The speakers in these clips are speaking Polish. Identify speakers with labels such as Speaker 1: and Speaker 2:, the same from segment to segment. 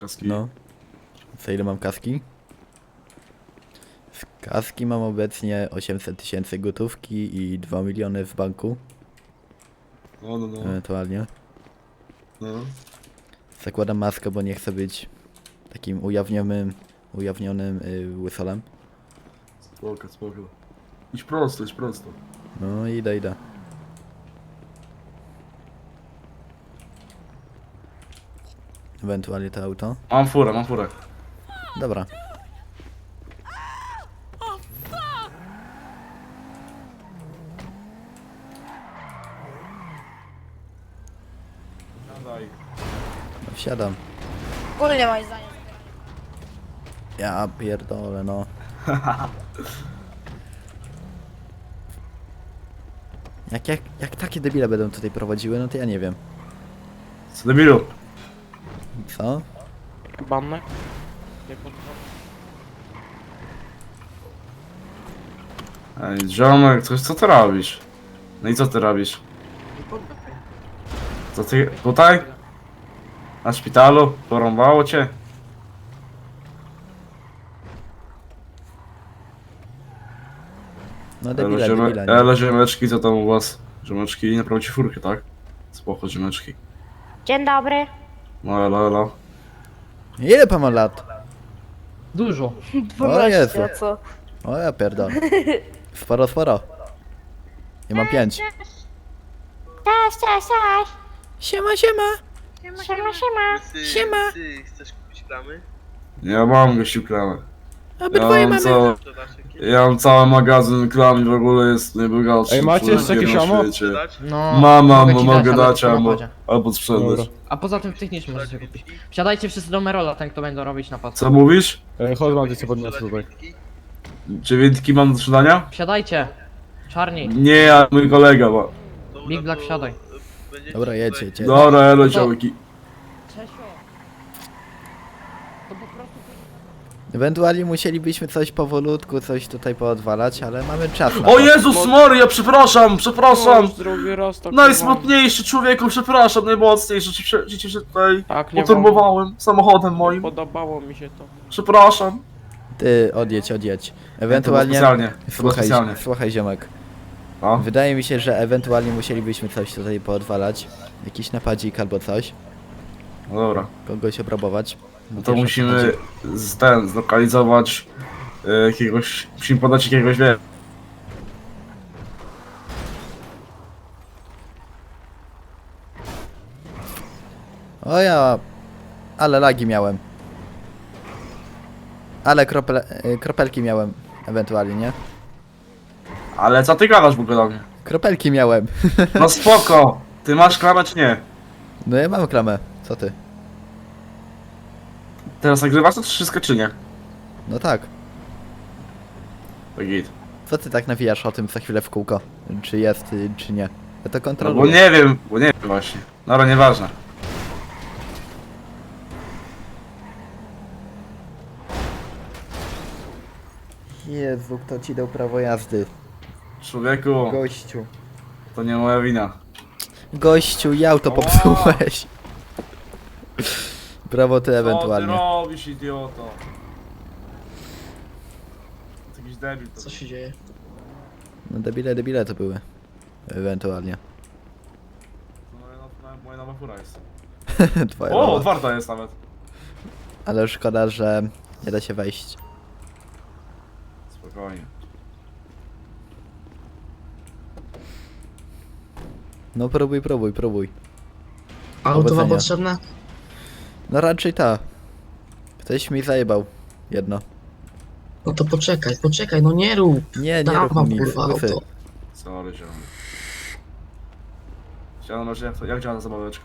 Speaker 1: Kaski.
Speaker 2: No. Co ile mam kaski? Z kaski mam obecnie 800 000 gotówki i 2 miliony w banku.
Speaker 1: No.
Speaker 2: Ewentualnie.
Speaker 1: No.
Speaker 2: Zakładam maskę, bo nie chcę być takim ujawnionym łysolem.
Speaker 1: Spoko. Idź prosto.
Speaker 2: No idę. Ewentualnie to auto.
Speaker 1: Mam furę.
Speaker 2: Dobra.
Speaker 1: Daj.
Speaker 2: No wsiadam.
Speaker 3: Ogólnie moje zdanie.
Speaker 2: Ja pierdolę, no. Jak takie debile będą tutaj prowadziły, no to ja nie wiem.
Speaker 1: Co debilu?
Speaker 2: Co?
Speaker 4: Bannę? Nie potrzeba.
Speaker 1: Ej, ziomek, co ty robisz? No i co ty robisz? Co ty... tutaj? Na szpitalu? Porąbało cię?
Speaker 2: No debile, nie?
Speaker 1: Elo ziomeczki, co tam u was? Ziomeczki, naprawicie furkę, tak? Spoko, ziomeczki.
Speaker 3: Dzień dobry.
Speaker 1: No elo.
Speaker 2: Ile pan ma lat?
Speaker 5: Dużo.
Speaker 3: 12,
Speaker 2: Jezu.
Speaker 3: a co?
Speaker 2: O ja pierdolę. Sporo. Ja mam 5.
Speaker 3: Cześć.
Speaker 2: Siema. Siema.
Speaker 6: Ty chcesz kupić klamy?
Speaker 1: Ja mam gościu klamę.
Speaker 2: Obydwoje mamy.
Speaker 6: Sprzedasz jakieś?
Speaker 1: Ja mam cały magazyn klam i w ogóle jest najbogatszy.
Speaker 4: Ej, macie jeszcze
Speaker 1: człowiek
Speaker 4: jakieś
Speaker 1: na
Speaker 4: ammo?
Speaker 1: świecie.
Speaker 6: Sprzedać?
Speaker 5: No.
Speaker 1: Mogę dać
Speaker 5: ale
Speaker 1: albo,
Speaker 5: to
Speaker 1: albo sprzedać.
Speaker 4: Dobra.
Speaker 5: A poza tym w tych nie możecie kupić. Wsiadajcie wszyscy do Merola, ten kto będą robić napad.
Speaker 1: Co mówisz?
Speaker 4: Chodź, mam cię podniosę tutaj.
Speaker 1: Dziewiętki mam do sprzedania?
Speaker 5: Wsiadajcie. Czarni.
Speaker 1: Nie, ja mój kolega ma.
Speaker 6: Dobra,
Speaker 5: Big Black,
Speaker 6: to,
Speaker 5: wsiadaj.
Speaker 6: będziecie
Speaker 2: Dobra,
Speaker 6: tutaj-
Speaker 2: jedźcie.
Speaker 1: Dobra, elo działki.
Speaker 5: Czesio. To po prostu...
Speaker 2: Ewentualnie musielibyśmy coś powolutku, coś tutaj poodwalać, ale mamy czas na
Speaker 1: O
Speaker 2: to.
Speaker 1: Jezus Maria, przepraszam!
Speaker 4: Drugi raz tak
Speaker 1: Najsmutniejszy człowieku, przepraszam, najmocniejszy, że się tutaj
Speaker 4: Tak, nie
Speaker 1: poturbowałem samochodem
Speaker 4: Nie
Speaker 1: moim.
Speaker 4: podobało mi się to.
Speaker 1: Przepraszam.
Speaker 2: Ty, odjedź. Ewentualnie...
Speaker 1: Specjalnie. Specjalnie.
Speaker 2: Słuchaj ziomek.
Speaker 1: No.
Speaker 2: Wydaje mi się, że ewentualnie musielibyśmy coś tutaj poodwalać. Jakiś napadzik albo coś.
Speaker 1: No dobra.
Speaker 2: Kogoś obrabować.
Speaker 1: No to musimy zlokalizować jakiegoś, musimy podać jakiegoś, wie.
Speaker 2: O ja... Ale lagi miałem. Ale kropelki miałem. Ewentualnie, nie?
Speaker 1: Ale co ty gadasz w ogóle do mnie?
Speaker 2: Kropelki miałem.
Speaker 1: No spoko! Ty masz klamę czy nie?
Speaker 2: No ja mam klamę. Co ty?
Speaker 1: Teraz nagrywasz to wszystko czy nie?
Speaker 2: No tak.
Speaker 1: To git.
Speaker 2: Co ty tak nawijasz o tym co chwilę w kółko? Czy jest, czy nie? Ja to
Speaker 1: No bo
Speaker 2: kontroluję.
Speaker 1: nie wiem właśnie. Dobra, nieważne.
Speaker 2: Jezu, kto ci dał prawo jazdy?
Speaker 1: Człowieku,
Speaker 2: Gościu.
Speaker 1: to nie moja wina.
Speaker 2: Gościu, i auto popsułeś. Brawo ty
Speaker 1: Co
Speaker 2: ewentualnie.
Speaker 1: ty robisz, idioto? To jakiś debil. To...
Speaker 5: Co się dzieje?
Speaker 2: No debile to były. Ewentualnie.
Speaker 1: Moja nowa fura jest.
Speaker 2: Twoja
Speaker 1: O,
Speaker 2: nowa.
Speaker 1: otwarta jest nawet.
Speaker 2: Ale szkoda, że nie da się wejść.
Speaker 1: Spokojnie.
Speaker 2: No próbuj.
Speaker 5: Auto
Speaker 2: Powodzenia.
Speaker 5: wam potrzebne?
Speaker 2: No raczej ta. Ktoś mi zajebał. Jedno.
Speaker 5: No to poczekaj, no nie rób.
Speaker 2: Nie
Speaker 5: Dam
Speaker 2: rób
Speaker 5: wam
Speaker 2: nic.
Speaker 5: kurwa
Speaker 2: Łysy.
Speaker 5: auto.
Speaker 1: Sorry, ziom. Chciałem jak działa ta zabaweczka?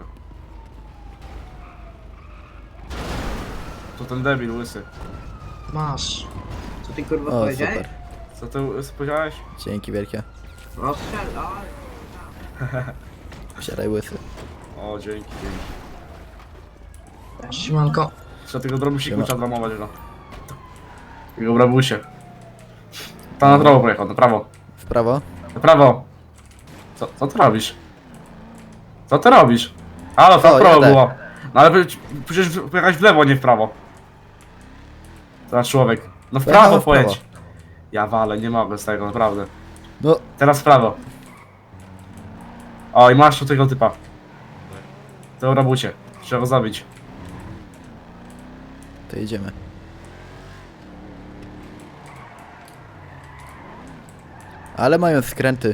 Speaker 1: To ten debil łysy.
Speaker 5: Masz.
Speaker 7: Co ty kurwa
Speaker 2: O,
Speaker 7: powiedziałeś?
Speaker 2: super.
Speaker 1: Co ty łysy powiedziałeś?
Speaker 2: Dzięki wielkie.
Speaker 7: Rozstrzelaj.
Speaker 2: Wsiadaj łysy.
Speaker 1: O, dzięki.
Speaker 5: Siemanko.
Speaker 1: Trzeba tego drobusiku
Speaker 2: Siema.
Speaker 1: trzeba dramować, no. Tego brabusie. Tam na prawo pojechał, na prawo.
Speaker 2: W prawo?
Speaker 1: Na prawo! Co ty robisz? Co ty robisz? Halo,
Speaker 2: Co,
Speaker 1: w prawo
Speaker 2: jadę.
Speaker 1: było. No ale przecież pojechać w lewo, nie w prawo. Teraz człowiek. No w
Speaker 2: Pojechałem
Speaker 1: prawo
Speaker 2: w prawo.
Speaker 1: pojedź. Ja walę, nie mogę z tego, naprawdę.
Speaker 2: No,
Speaker 1: Teraz w prawo. O, i masz tu tego typa. To robucie. Trzeba go zabić.
Speaker 2: to jedziemy. Ale mają skręty.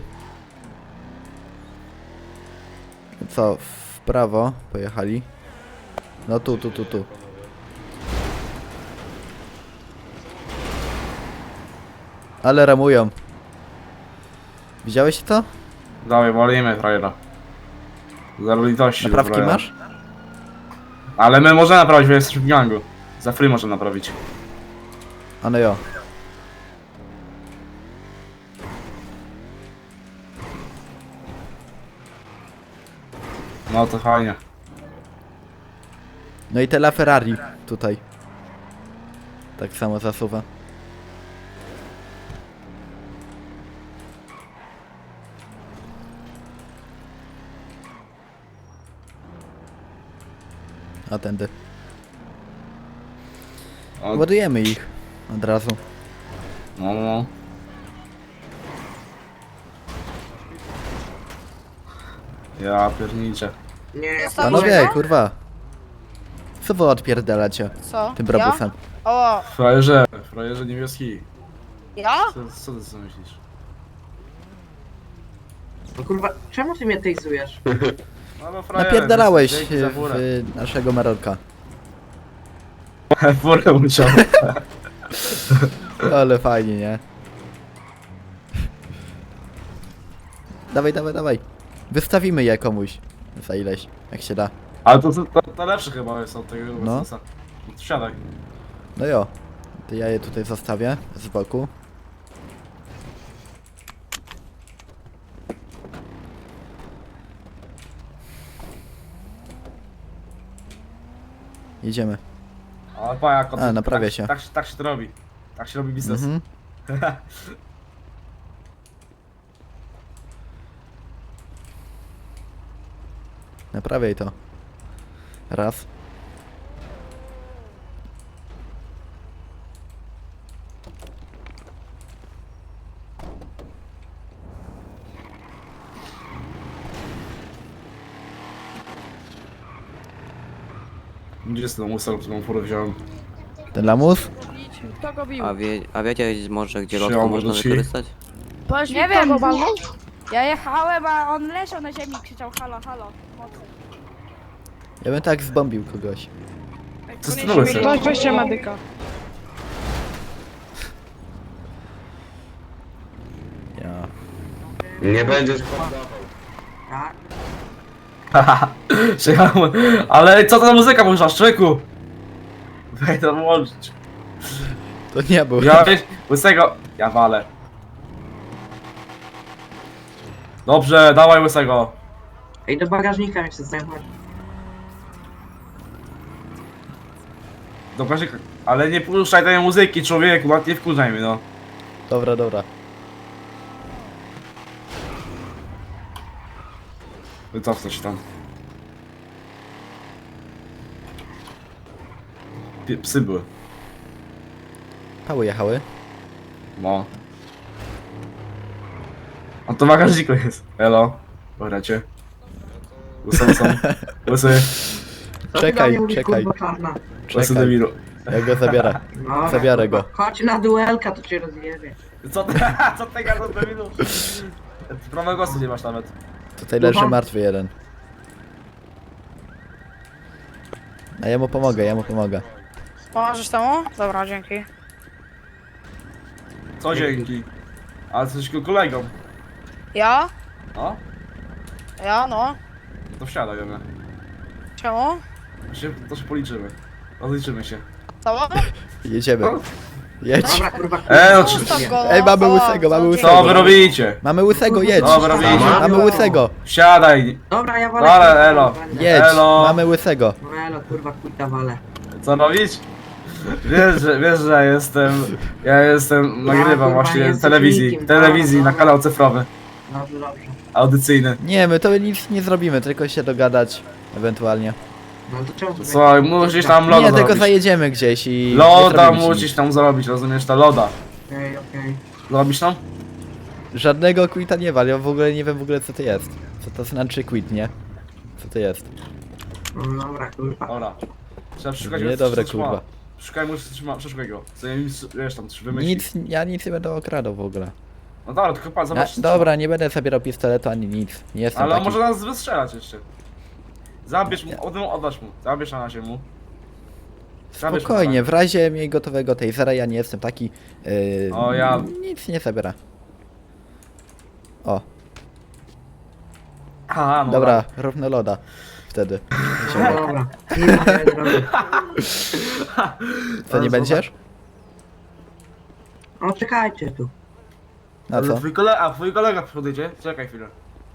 Speaker 2: Co, w prawo pojechali? No tu. Ale ramują. Widziałeś to?
Speaker 1: Dawaj, walimy frajera. Zero litości. do
Speaker 2: Naprawki
Speaker 1: frajera.
Speaker 2: masz?
Speaker 1: Ale my możemy naprawić, bo jesteśmy w gangu. Za free możemy naprawić.
Speaker 2: A no jo.
Speaker 1: No to fajnie.
Speaker 2: No i tela Ferrari tutaj. Tak samo zasuwa. A tędy.
Speaker 1: O,
Speaker 2: Ładujemy ich od razu.
Speaker 1: no. Ja pierniczę.
Speaker 7: Nie,
Speaker 2: Panowie, kurwa. Co wy odpierdalacie
Speaker 3: Co?
Speaker 2: tym brabusem?
Speaker 3: Ja? O,
Speaker 1: Frajerze niebieski.
Speaker 3: ja?
Speaker 1: Co ty sobie myślisz?
Speaker 7: no kurwa, czemu ty mnie tejzujesz?
Speaker 1: No bo frajerze,
Speaker 2: Napierdalałeś
Speaker 1: dzięki za furę.
Speaker 2: w naszego Marolka.
Speaker 1: Furę musiał.
Speaker 2: Ale fajnie, nie? Dawaj. Wystawimy je komuś. Za ileś, jak się da.
Speaker 1: Ale to lepsze chyba jest od tego
Speaker 2: No.
Speaker 1: Mercedesa. Wsiadaj.
Speaker 2: No jo. To ja je tutaj zostawię z boku. Jedziemy.
Speaker 1: Ale pa, jak
Speaker 2: A, naprawia się.
Speaker 1: Tak się to robi. Tak się robi biznes.
Speaker 2: Mhm. Naprawiaj to. Raz.
Speaker 1: Gdzie jest ten musel, którą furę wziąłem?
Speaker 2: Ten lamus?
Speaker 3: Kto go bił?
Speaker 8: A wiecie może gdzie
Speaker 1: Przyjął
Speaker 8: lotko można
Speaker 1: do ci.
Speaker 8: wykorzystać?
Speaker 3: Nie wiem. Ja jechałem, a on leżał na ziemi i krzyczał halo, halo. Mocy.
Speaker 2: Ja bym tak zbombił kogoś.
Speaker 1: Co z tym łysy?
Speaker 4: Weźcie medyka.
Speaker 2: Ja.
Speaker 9: Nie będziesz
Speaker 7: Tak?
Speaker 1: Przyjechałem. Ale co to za muzyka można, człowieku? Weź to włączyć.
Speaker 2: To nie był.
Speaker 1: Ja łysego. Ja walę. Dobrze, dawaj łysego.
Speaker 7: Ej, do bagażnika mi się zajmować.
Speaker 1: Dobra, ale nie puszczaj tej muzyki, człowieku, nie wkurzaj mnie, no.
Speaker 2: Dobra.
Speaker 1: Wycofnę się tam. Psy były.
Speaker 2: Pały jechały.
Speaker 1: No. A to w bagażniku jest. Elo. Pogracie. Łysy.
Speaker 7: Co ty do mnie mówisz,
Speaker 2: Czekaj.
Speaker 7: kurwa czarna?
Speaker 1: Łysy
Speaker 2: Czekaj.
Speaker 1: debilu.
Speaker 2: Ja go zabiorę.
Speaker 7: No,
Speaker 2: Zabiorę go.
Speaker 7: chodź na duelka, to cię rozjebie.
Speaker 1: Co ty gadasz debilu? Prawego głosu nie masz nawet.
Speaker 2: Tutaj leży martwy jeden. A ja mu pomogę.
Speaker 3: Pomożesz temu? Dobra, dzięki.
Speaker 1: Co dzięki? Ale coś kolegą.
Speaker 3: Ja?
Speaker 1: No?
Speaker 3: Ja, no.
Speaker 1: To wsiadaj do mnie.
Speaker 3: Czemu?
Speaker 1: To się policzymy. Rozliczymy się.
Speaker 3: Co?
Speaker 2: Jedziemy. Jedź.
Speaker 7: Dobra, kurwa,
Speaker 1: No
Speaker 3: Zostaw go, no.
Speaker 2: Ej, mamy
Speaker 3: Co?
Speaker 2: łysego, mamy
Speaker 3: Co
Speaker 2: łysego.
Speaker 1: Co wy robicie?
Speaker 2: Mamy łysego, jedź.
Speaker 1: Co wy robicie?
Speaker 2: Mamy łysego.
Speaker 1: Wsiadaj.
Speaker 7: Dobra, ja walę.
Speaker 1: Dobra,
Speaker 7: kurwa,
Speaker 1: elo.
Speaker 7: będę.
Speaker 2: Jedź.
Speaker 1: Elo.
Speaker 2: Mamy łysego.
Speaker 7: No elo, kurwa, kurta walę.
Speaker 1: Co robić? Wiesz, że ja jestem, nagrywam
Speaker 7: kurwa,
Speaker 1: właśnie
Speaker 7: jesteś
Speaker 1: telewizji,
Speaker 7: nikim,
Speaker 1: telewizji
Speaker 7: dobra,
Speaker 1: na kanał cyfrowy,
Speaker 7: Dobrze.
Speaker 1: audycyjny.
Speaker 2: Nie, my to nic nie zrobimy, tylko się dogadać. Ewentualnie.
Speaker 7: No to czemu?
Speaker 1: Słuchaj, musisz tam loda
Speaker 2: Nie, tylko
Speaker 1: zrobić.
Speaker 2: zajedziemy gdzieś i... nie
Speaker 1: Loda
Speaker 2: zrobimy ci
Speaker 1: musisz
Speaker 2: nic.
Speaker 1: tam zrobić, rozumiesz? Ta loda.
Speaker 7: Okej.
Speaker 1: Robisz tam?
Speaker 2: Żadnego quita nie wal, ja w ogóle nie wiem w ogóle co to jest. Co to znaczy quit, nie? Co to jest?
Speaker 7: No dobra, kurwa.
Speaker 1: Dobra. Trzeba przeszukać
Speaker 2: Nie, dobre, kurwa.
Speaker 1: Szukaj mu przeszukaj go. Co nie wiesz tam, coś wymyśli.
Speaker 2: Nic, ja nic nie będę okradał w ogóle.
Speaker 1: No dobra, tylko pan zobacz.
Speaker 2: Dobra, nie będę zabierał pistoletu ani nic. Nie jestem
Speaker 1: Ale on
Speaker 2: taki.
Speaker 1: może nas wystrzelać jeszcze. Zabierz mu, oddasz mu. Zabierz na razie mu. Zabierz mu,
Speaker 2: Spokojnie, w razie miej gotowego tasera, ja nie jestem taki...
Speaker 1: O, ja-
Speaker 2: Nic nie zabiera. O,
Speaker 1: Aha, no
Speaker 2: dobra, równo loda. Wtedy.
Speaker 7: No dobra. Nie zrobię.
Speaker 2: Co, nie będziesz?
Speaker 7: No czekajcie tu.
Speaker 2: Na
Speaker 1: Ale
Speaker 2: co?
Speaker 1: twój kolega podjedzie? Czekaj chwilę.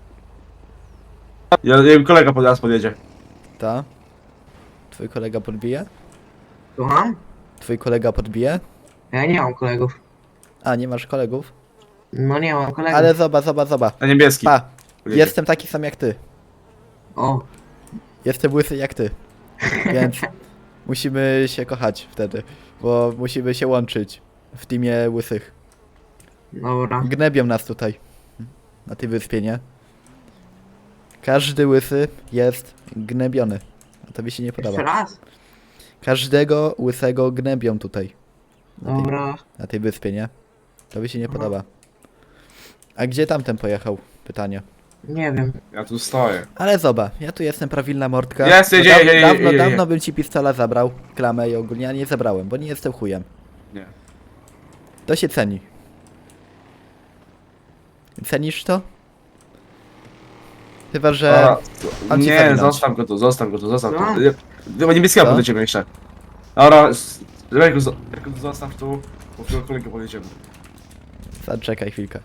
Speaker 1: Ja kolega teraz podjedzie.
Speaker 2: Ta? Twój kolega podbije?
Speaker 7: Słucham?
Speaker 2: Twój kolega podbije?
Speaker 7: Ja nie mam kolegów.
Speaker 2: A, nie masz kolegów?
Speaker 7: No nie mam kolegów.
Speaker 2: Ale zoba.
Speaker 1: Na niebieski.
Speaker 2: Pa,
Speaker 1: Podjedzie.
Speaker 2: jestem taki sam jak ty.
Speaker 7: O,
Speaker 2: Jestem łysy jak ty. Więc musimy się kochać wtedy. Bo musimy się łączyć w teamie łysych.
Speaker 7: dobra.
Speaker 2: Gnebią nas tutaj. Na tej wyspie, nie? Każdy łysy jest gnebiony. A to mi się nie
Speaker 7: Jeszcze
Speaker 2: podoba.
Speaker 7: raz?
Speaker 2: Każdego łysego gnebią tutaj.
Speaker 7: Dobra.
Speaker 2: Na tej wyspie, nie? To mi się nie podoba. A gdzie tamten pojechał? Pytanie.
Speaker 7: Nie wiem.
Speaker 1: Ja tu stoję.
Speaker 2: Ale zoba, ja tu jestem prawilna mordka.
Speaker 1: Jest,
Speaker 2: No
Speaker 1: jedzie.
Speaker 2: dawno bym ci pistola zabrał, klamę i ogólnie, ja nie zabrałem, bo nie jestem chujem.
Speaker 1: Nie.
Speaker 2: To się ceni. Cenisz to? Chyba, że...
Speaker 1: Dobra.
Speaker 2: mam ci
Speaker 1: Nie,
Speaker 2: zawinąć.
Speaker 1: zostaw go tu.
Speaker 7: Co?
Speaker 1: Chyba niebieskiego
Speaker 2: Co?
Speaker 1: podjedziemy jeszcze. Dobra, Rejku, zostaw tu, bo w tego kolegę podjedziemy.
Speaker 2: Zaczekaj chwilkę.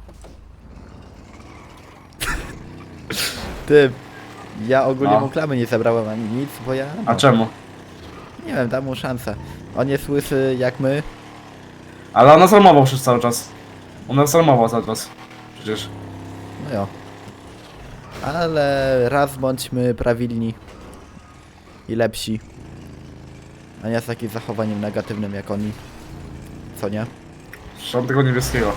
Speaker 2: Ty, ja ogólnie
Speaker 1: No.
Speaker 2: mu klamy nie zabrałem ani nic, bo ja...
Speaker 1: A
Speaker 2: no,
Speaker 1: czemu?
Speaker 2: nie wiem, dam mu szansę. On jest łysy jak my.
Speaker 1: Ale on nas armował przez cały czas. On nas armował cały czas. Przecież.
Speaker 2: No jo. Ale raz bądźmy prawilni i lepsi. A nie z takim zachowaniem negatywnym jak oni. Co nie?
Speaker 1: Trzeba tego niebieskiego.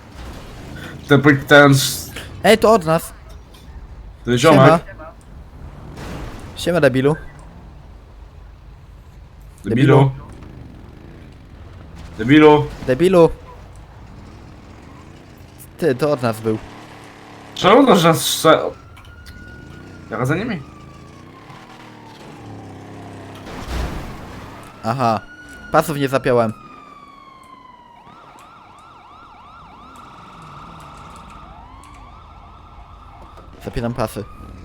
Speaker 1: Ten
Speaker 2: Ej, to od nas!
Speaker 1: ziomek.
Speaker 2: Siema. Siema debilu.
Speaker 1: Debilu. Debilu.
Speaker 2: Debilu! Ty, to od nas był.
Speaker 1: Czemu to, że strze... Jak za nimi?
Speaker 2: Aha. Pasów nie zapiąłem. Zapinam pasy.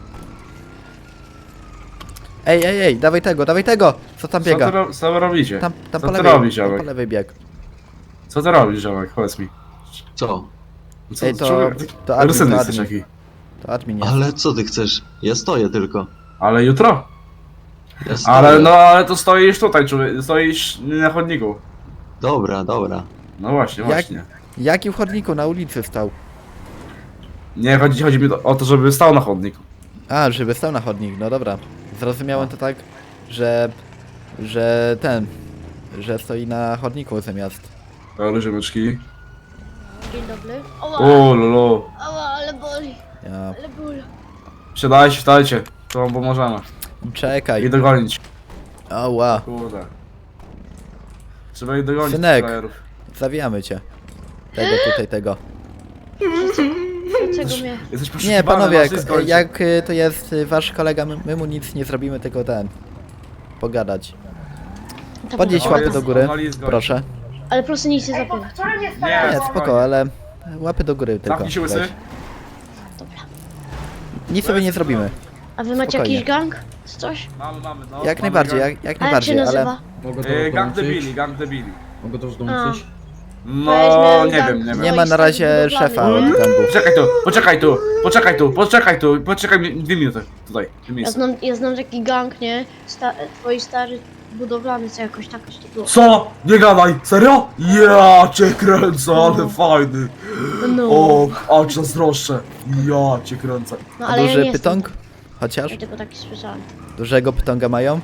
Speaker 2: Ej, dawaj tego! Co tam biega?
Speaker 1: Co wy robicie?
Speaker 2: Tam
Speaker 1: Co
Speaker 2: po
Speaker 1: ty
Speaker 2: lewej,
Speaker 1: robisz,
Speaker 2: tam
Speaker 1: ziomek?
Speaker 2: po lewej bieg.
Speaker 1: Co ty robisz, ziomek? Powiedz mi.
Speaker 9: Co?
Speaker 1: Co,
Speaker 2: Ej, to admin,
Speaker 1: Rusyny
Speaker 2: to
Speaker 1: jesteś
Speaker 2: admin.
Speaker 1: taki.
Speaker 2: To admin jest.
Speaker 9: Ale co ty chcesz? Ja stoję tylko.
Speaker 1: Ale jutro?
Speaker 9: Ja stoję.
Speaker 1: Ale to stoisz tutaj, człowiek. Stoisz na chodniku.
Speaker 9: Dobra.
Speaker 1: No właśnie, właśnie.
Speaker 2: Jaki w chodniku na ulicy stał?
Speaker 1: Nie, chodzi mi o to, żeby stał na chodniku.
Speaker 2: A, żeby stał na chodnik, no dobra. Zrozumiałem to tak, że stoi na chodniku zamiast.
Speaker 1: Ale ziomeczki.
Speaker 10: Dzień dobry.
Speaker 1: O, lolo.
Speaker 10: Ała, ale boli,
Speaker 2: Ja...
Speaker 10: ale ból.
Speaker 1: Siadajcie, wstajcie. To wam pomożemy.
Speaker 2: Czekaj.
Speaker 1: I dogonić.
Speaker 2: Ała.
Speaker 1: Kurde. Trzeba ich dogonić.
Speaker 2: Synek.
Speaker 1: frajerów.
Speaker 2: Zawijamy cię. Tego.
Speaker 10: Dlaczego mnie?
Speaker 1: Jesteś
Speaker 2: Nie,
Speaker 1: poszukiwany,
Speaker 2: panowie,
Speaker 1: masz wszystko ojciec.
Speaker 2: jak to jest wasz kolega, my mu nic nie zrobimy, tylko pogadać. Podnieś
Speaker 10: Dobra.
Speaker 2: łapy do góry,
Speaker 1: Wali zgoń.
Speaker 2: proszę.
Speaker 10: Ale proszę nic nie zapytać.
Speaker 1: Nie,
Speaker 2: Nie, spoko, ale łapy do góry tylko.
Speaker 1: Zamknij się, łysy.
Speaker 2: weź. Nic sobie nie zrobimy.
Speaker 10: A wy macie
Speaker 2: Spokojnie.
Speaker 10: jakiś gang? Czy coś?
Speaker 1: Mamy, no.
Speaker 2: Jak
Speaker 1: mamy
Speaker 2: najbardziej,
Speaker 1: gang.
Speaker 2: jak
Speaker 10: A jak się
Speaker 2: najbardziej, ale...
Speaker 10: nazywa?
Speaker 4: Mogę to
Speaker 1: Gang
Speaker 4: dołączyć?
Speaker 1: debili, gang debili.
Speaker 4: Mogę to już
Speaker 10: A,
Speaker 4: dołączyć?
Speaker 1: No,
Speaker 10: Weźmy
Speaker 1: nie
Speaker 10: gang.
Speaker 1: wiem, nie wiem.
Speaker 2: Nie ma na razie szefa od gangu.
Speaker 1: Poczekaj 2 minuty. Tutaj, 2
Speaker 10: ja
Speaker 1: minuty.
Speaker 10: znam taki gang, nie? Twoi stary budowlany, co jakoś tak to było.
Speaker 1: Co? Nie gadaj, serio? Ja cię kręcę, ale fajny.
Speaker 10: No,
Speaker 1: O, aż zazdroszczę. Ja cię kręcę.
Speaker 10: no
Speaker 2: A
Speaker 10: ale ja
Speaker 2: duży
Speaker 10: nie
Speaker 2: pytąg? Chociaż?
Speaker 10: Ja tylko taki słyszałem.
Speaker 2: Dużego pytonga mają?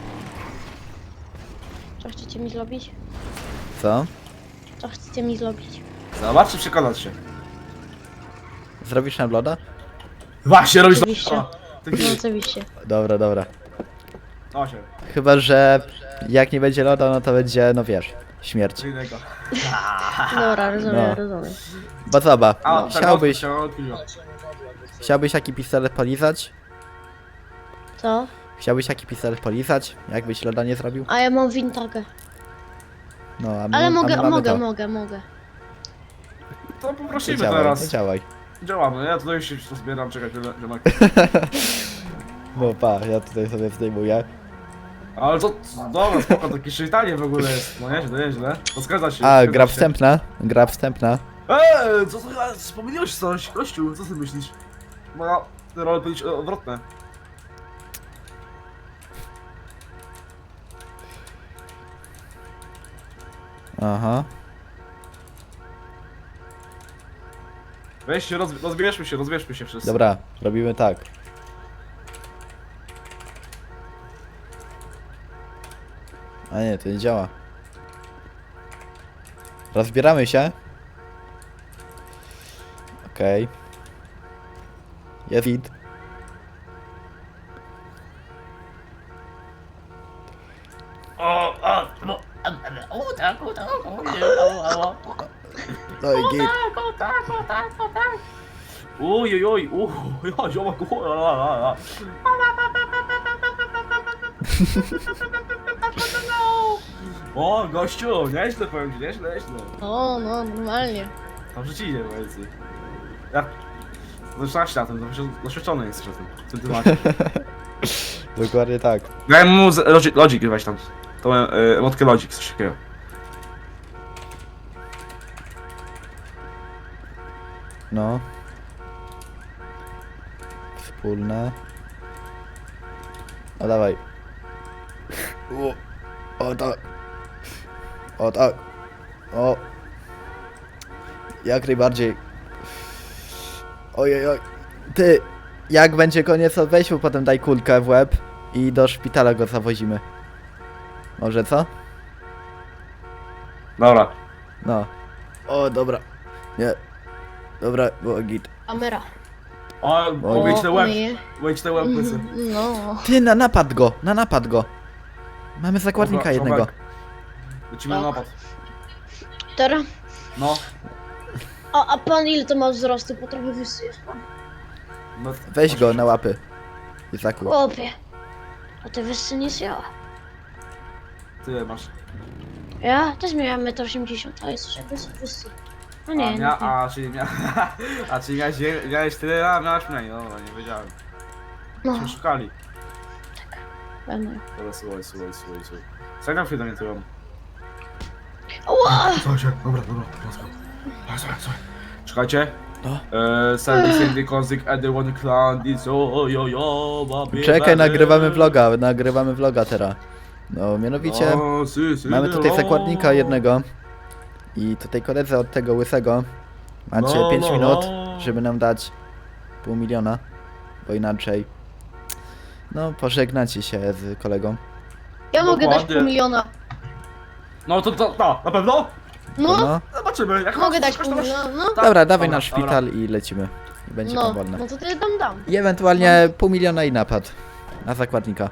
Speaker 10: Co chcecie mi zrobić?
Speaker 2: Co?
Speaker 10: Co chcecie mi zrobić?
Speaker 1: Zobacz, czy przekonać się.
Speaker 2: Zrobisz nam loda?
Speaker 1: Właśnie, robisz
Speaker 10: Oczywiście.
Speaker 1: to. Ty
Speaker 10: No
Speaker 1: chwili.
Speaker 10: oczywiście.
Speaker 2: Dobra, dobra.
Speaker 1: No się,
Speaker 2: Chyba, że jak nie będzie loda, no to będzie, no wiesz, śmierć.
Speaker 1: co innego.
Speaker 10: Dobra, rozumiem,
Speaker 2: No.
Speaker 10: rozumiem.
Speaker 2: Bo zobacz,
Speaker 1: A, tak,
Speaker 2: chciałbyś taki pistolet polizać?
Speaker 10: Co?
Speaker 2: Chciałbyś taki pistolet polizać? Jakbyś loda nie zrobił?
Speaker 10: A ja mam wintagę.
Speaker 2: No, a my,
Speaker 10: Ale
Speaker 2: a my
Speaker 10: mogę,
Speaker 2: mamy
Speaker 10: mogę,
Speaker 2: to.
Speaker 10: mogę.
Speaker 1: To
Speaker 2: To
Speaker 1: poprosimy
Speaker 2: działaj,
Speaker 1: teraz.
Speaker 2: to działaj.
Speaker 1: Działamy, ja tutaj się zbieram, czekaj, ziomek.
Speaker 2: No pa, ja tutaj sobie zdejmuję.
Speaker 1: Ale to, dobra, spoko, takie szczytanie w ogóle jest. No nieźle, nieźle. To zgadza się.
Speaker 2: A,
Speaker 1: zgadza
Speaker 2: gra
Speaker 1: się.
Speaker 2: wstępna, gra wstępna.
Speaker 1: Co to, pomyliłeś coś, gościu, co ty myślisz? Moja role powinny być odwrotne.
Speaker 2: Aha.
Speaker 1: Weź się, rozbierzmy się wszyscy.
Speaker 2: Dobra, robimy tak. A nie, to nie działa. Rozbieramy się. Okej. Jest hit. No i git.
Speaker 1: Oj, ja, ziomek, O, gościu, nieźle powiem ci, nieźle.
Speaker 10: O, no, normalnie.
Speaker 1: Tam przeciwnie, powiedzmy. Ja... Zaczynasz na tym, doświadczony jesteś na tym, w tym temacie.
Speaker 2: Dokładnie tak.
Speaker 1: Daj mu Logic weź tam. Tą emotkę Logic, coś takiego.
Speaker 2: No. Wspólne. O dawaj. O tak. O tak. O. Jak najbardziej. Ojej, oj. Ty. Jak będzie koniec, to weź mu potem daj kulkę w łeb i do szpitala go zawozimy. Może co?
Speaker 1: Dobra.
Speaker 2: No. O, dobra. Nie. Dobra, było git.
Speaker 10: Kamera.
Speaker 1: O, wejdź na łeb,
Speaker 10: myję.
Speaker 1: wejdź na łeb, łysy.
Speaker 10: No.
Speaker 2: Ty, na napad go. Mamy zakładnika
Speaker 1: Dobra,
Speaker 2: jednego.
Speaker 1: ziomek. Lecimy na napad.
Speaker 10: Teraz.
Speaker 1: No.
Speaker 10: A pan ile to ma wzrostu? Bo trochę wyższy jest pan.
Speaker 1: No,
Speaker 2: Weź go na łapy. Izaku.
Speaker 10: Chłopie. A ty wyższy niż ja.
Speaker 1: Tyle masz.
Speaker 10: Ja też miałem 1,80 m, a jesteś jakby wyższy. No nie, no nie.
Speaker 1: Czyli miałeś tyle, a miałeś mniej, no nie wiedziałem.
Speaker 10: No,
Speaker 1: Się szukali.
Speaker 10: będę.
Speaker 1: Dobra, słuchaj. Zagram chwilę mnie tyłem.
Speaker 10: Ała!
Speaker 1: Słuchajcie, dobra. Słuchaj. Czekajcie.
Speaker 2: No.
Speaker 1: Sandy, Kozik, One Clan,
Speaker 2: Czekaj, nagrywamy vloga teraz. No, mianowicie mamy tutaj zakładnika jednego i tutaj koledze od tego łysego. Macie 5 minut, żeby nam dać $500 000, bo inaczej no pożegnacie się z kolegą.
Speaker 10: Ja mogę dać
Speaker 1: Dokładnie.
Speaker 10: $500 000.
Speaker 1: No to, na pewno?
Speaker 10: No,
Speaker 2: No,
Speaker 1: Zobaczymy, jak
Speaker 10: mogę
Speaker 1: masz
Speaker 10: dać
Speaker 1: coś, to masz-
Speaker 10: $500 000, no.
Speaker 2: dobra, dawaj
Speaker 1: Dobra,
Speaker 2: na szpital i lecimy. I będzie
Speaker 10: No,
Speaker 2: pan wolny.
Speaker 10: no to ty dam.
Speaker 2: I ewentualnie $500 000 i napad na zakładnika.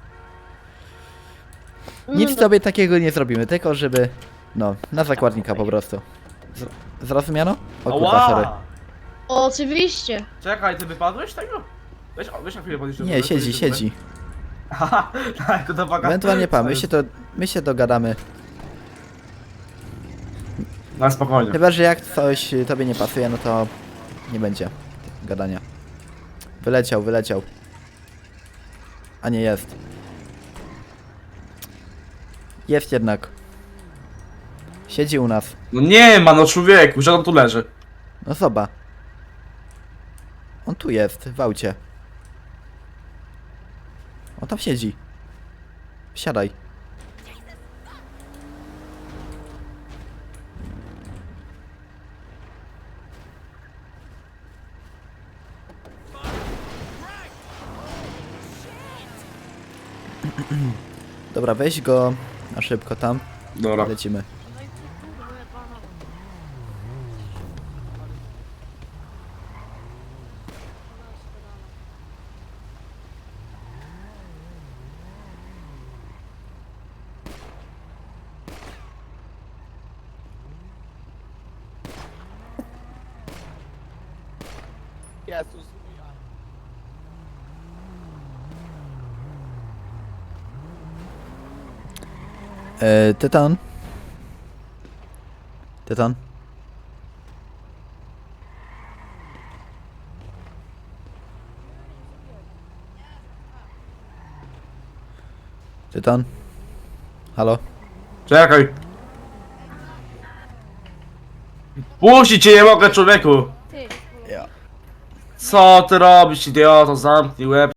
Speaker 2: Nic
Speaker 10: No,
Speaker 2: sobie takiego nie zrobimy, tylko żeby... No, na zakładnika po prostu. Zrozumiano? O kurwa, sorry.
Speaker 1: Ała!
Speaker 10: Oczywiście.
Speaker 1: Czekaj, ty wypadłeś z tego? Weź na chwilę podejść do
Speaker 2: Nie,
Speaker 1: góry,
Speaker 2: siedzi,
Speaker 1: podejść do góry.
Speaker 2: siedzi.
Speaker 1: Haha, tak, to waga.
Speaker 2: Ewentualnie pan, my się dogadamy.
Speaker 1: No spokojnie.
Speaker 2: Chyba, że jak coś tobie nie pasuje, no to nie będzie gadania. Wyleciał. A nie jest. Jest jednak. Siedzi u nas.
Speaker 1: No nie ma, no człowieku, że on tu leży.
Speaker 2: No zobacz. On tu jest, w aucie. On tam siedzi. Siadaj. Dobra, weź go na szybko tam.
Speaker 1: Dobra.
Speaker 2: Lecimy. Tytan? Tytan? Tytan? Halo?
Speaker 1: Czekaj. Puścić cię nie mogę, człowieku.
Speaker 3: Ty.
Speaker 1: Co ty robisz, idioto? Zamknij łeb.